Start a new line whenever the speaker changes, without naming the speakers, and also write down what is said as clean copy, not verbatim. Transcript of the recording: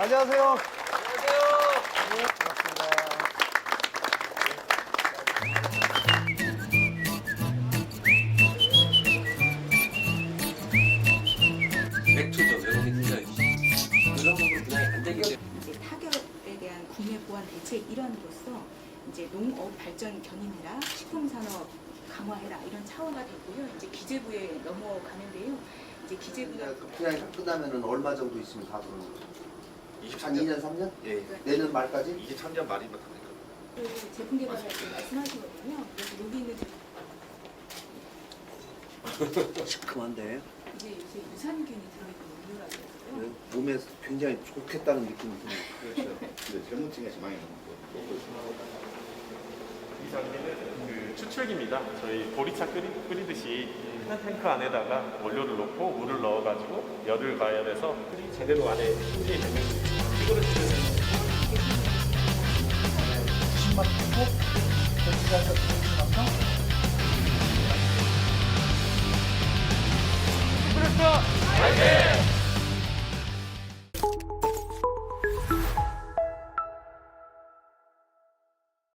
안녕하세요.
맥주죠. 외국인 굉장히 그런 부분 분양이 안 되기 때문에
이제 타격에 대한 국내 보안 대책 일환으로서 이제 농업 발전 견인해라, 식품산업 강화해라 이런 차원화 됐고요. 이제 기재부에 넘어가는데요. 이제 기재부가
분양이 다 끝나면은 얼마 정도 있으면 다 들어오는 거죠? 한 2년, 3년?
예.
내년 말까지?
23년 말이면 됩니까?
그 제품 개발할 때 말씀하시거든요. 그래서 여기 있는
시큼한데
이제 요새 유산균이 들어있는 음료라고 해서요.
몸에 굉장히 좋겠다는 느낌이 드네요.
그렇죠.
근데 젊은층에서 많이 먹고 있습니다.
이 장비는 그 추출기입니다. 저희 보리차 끓이듯이 큰 탱크 안에다가 원료를 넣고 물을 넣어가지고 열을 가열해서 제대로 안에 충전이 되면 피부를 치르는
화이팅!